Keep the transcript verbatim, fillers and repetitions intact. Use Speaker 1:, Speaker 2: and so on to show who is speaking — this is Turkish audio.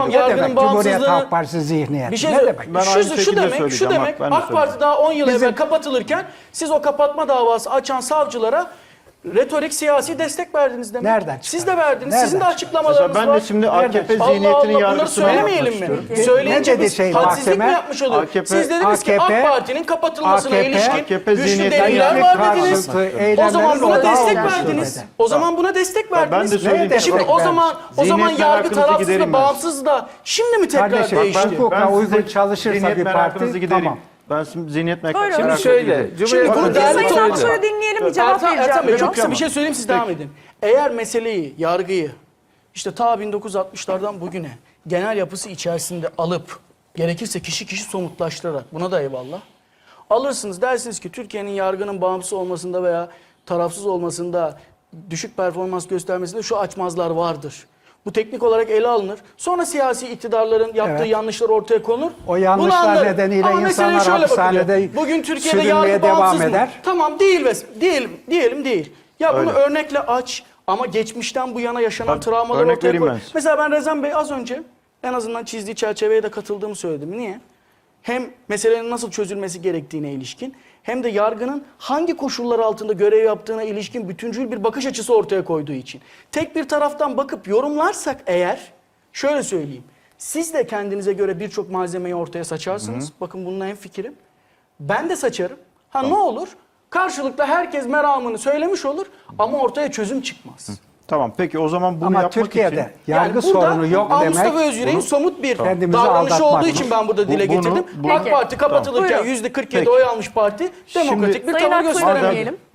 Speaker 1: Tamam
Speaker 2: Ne
Speaker 1: yargının
Speaker 2: demek Cumhuriyet
Speaker 1: bağımsızlığını...
Speaker 2: Halk Partisi zihniyeti?
Speaker 1: Bir şey
Speaker 2: ne
Speaker 1: söyle-
Speaker 2: demek?
Speaker 3: Ben
Speaker 1: şu,
Speaker 3: aynı
Speaker 1: şu
Speaker 3: şekilde
Speaker 1: demek, şu
Speaker 3: söyleyeceğim,
Speaker 1: demek
Speaker 3: bak, ben de
Speaker 1: AK Parti daha on yıl
Speaker 2: Bizim-
Speaker 1: evvel kapatılırken siz o kapatma davası açan savcılara retorik siyasi destek verdiniz demek.
Speaker 2: Nereden
Speaker 1: Siz
Speaker 2: çıkardın?
Speaker 1: de verdiniz.
Speaker 2: Nereden
Speaker 1: Sizin de
Speaker 2: çıkardın?
Speaker 1: açıklamalarınız
Speaker 3: Mesela
Speaker 1: var.
Speaker 3: ben de şimdi A K P
Speaker 2: Nereden?
Speaker 1: Allah
Speaker 3: zihniyetinin
Speaker 1: Allah, bunları
Speaker 3: yargısına yapmak
Speaker 1: söylemeyelim mi?
Speaker 3: istiyorum.
Speaker 1: Söyleyince
Speaker 2: Ne dedi
Speaker 1: biz
Speaker 2: şey,
Speaker 1: hadsizlik mi
Speaker 2: mahkeme?
Speaker 1: yapmış oluyoruz?
Speaker 3: A K P
Speaker 1: Siz dediniz ki
Speaker 2: A K P
Speaker 1: AK Parti'nin kapatılmasına
Speaker 2: A K P
Speaker 1: ilişkin
Speaker 3: A K P
Speaker 1: güçlü
Speaker 3: zihniyetine
Speaker 1: deliller
Speaker 3: yönelik
Speaker 1: var dediniz.
Speaker 2: karşıtı
Speaker 1: O zaman buna
Speaker 2: eylemlerin
Speaker 1: destek
Speaker 2: odağı olmuş
Speaker 1: verdiniz.
Speaker 2: dedi.
Speaker 1: O zaman buna destek
Speaker 3: ben de
Speaker 1: verdiniz.
Speaker 3: söyleyeyim.
Speaker 2: Ne
Speaker 1: Şimdi
Speaker 2: destek
Speaker 1: o zaman o zaman
Speaker 3: Zihniyet
Speaker 1: yargı
Speaker 3: merakınızı
Speaker 1: tarafsız
Speaker 3: giderim
Speaker 1: da
Speaker 3: ben.
Speaker 1: bağımsız da şimdi mi tekrar
Speaker 2: Kardeşim,
Speaker 1: değişti?
Speaker 2: ben hukuka
Speaker 3: size
Speaker 2: uygun çalışırsa
Speaker 3: zihniyet
Speaker 2: bir
Speaker 3: merakınızı
Speaker 2: parti,
Speaker 3: gidereyim.
Speaker 2: tamam.
Speaker 3: Ben şimdi zihniyet
Speaker 4: Buyurun.
Speaker 3: merakınızı
Speaker 4: Şimdi
Speaker 3: gidereyim.
Speaker 5: şöyle,
Speaker 1: Şimdi
Speaker 5: Cumhuriyet
Speaker 1: bunu
Speaker 5: Halk
Speaker 1: değerli
Speaker 5: Partisi-
Speaker 4: Sayın
Speaker 1: topluca-
Speaker 4: Aksoy'u dinleyelim, bir cevap
Speaker 1: Ertan,
Speaker 4: vereceğim.
Speaker 1: Ertan Bey çok
Speaker 4: Buyurun.
Speaker 1: kısa bir şey söyleyeyim siz devam edin. Eğer meseleyi, yargıyı işte ta bin dokuz yüz altmışlardan bugüne genel yapısı içerisinde alıp gerekirse kişi kişi somutlaştırarak buna da eyvallah. Alırsınız dersiniz ki Türkiye'nin yargının bağımsız olmasında veya tarafsız olmasında düşük performans göstermesinde şu açmazlar vardır. Bu teknik olarak ele alınır. Sonra siyasi iktidarların yaptığı
Speaker 2: Evet.
Speaker 1: yanlışlar ortaya konur.
Speaker 2: O yanlışlar
Speaker 1: Bunu anlarım.
Speaker 2: nedeniyle
Speaker 1: Ama meseleye
Speaker 2: insanlar
Speaker 1: şöyle bakılıyor.
Speaker 2: hapishanede
Speaker 1: Bugün Türkiye'de
Speaker 2: sürünmeye
Speaker 1: yargı
Speaker 2: devam
Speaker 1: bağımsız mı?
Speaker 2: eder.
Speaker 1: Tamam değil ve diyelim diyelim değil. Ya bunu
Speaker 3: Öyle.
Speaker 1: örnekle aç ama geçmişten bu yana yaşanan
Speaker 3: Tabii,
Speaker 1: travmaları
Speaker 3: örnek
Speaker 1: ortaya
Speaker 3: vereyim
Speaker 1: koy.
Speaker 3: ben size.
Speaker 1: Mesela ben Rezan Bey az önce en azından çizdiği çerçeveye de katıldığımı söyledim. Niye? Hem meselenin nasıl çözülmesi gerektiğine ilişkin hem de yargının hangi koşullar altında görev yaptığına ilişkin bütüncül bir bakış açısı ortaya koyduğu için. Tek bir taraftan bakıp yorumlarsak eğer şöyle söyleyeyim. Siz de kendinize göre birçok malzemeyi ortaya saçarsınız. Hı hı. Bakın bununla hemfikirim. Ben de saçarım. Ha tamam. Ne olur? Karşılıklı herkes meramını söylemiş olur ama ortaya çözüm çıkmaz. Hı.
Speaker 3: Tamam peki o zaman bunu
Speaker 2: Ama
Speaker 3: yapmak
Speaker 2: Türkiye'de
Speaker 3: için...
Speaker 2: yargı
Speaker 1: burada
Speaker 2: sorunu yok
Speaker 1: Aa,
Speaker 2: demek.
Speaker 1: Mustafa Özyürek'in
Speaker 3: bunu-
Speaker 1: somut bir
Speaker 2: Kendimizi
Speaker 1: davranışı
Speaker 2: aldatmak.
Speaker 1: olduğu için ben burada dile
Speaker 3: Bu- bunu-
Speaker 1: getirdim.
Speaker 3: bu-
Speaker 1: AK Parti kapatılırken
Speaker 4: Buyurun.
Speaker 1: yüzde kırk yedi
Speaker 3: Peki.
Speaker 1: oy almış parti demokratik bir
Speaker 4: Sayın
Speaker 1: tavır
Speaker 4: Aksoy'u
Speaker 1: gösteremiyor.
Speaker 4: dinleyelim.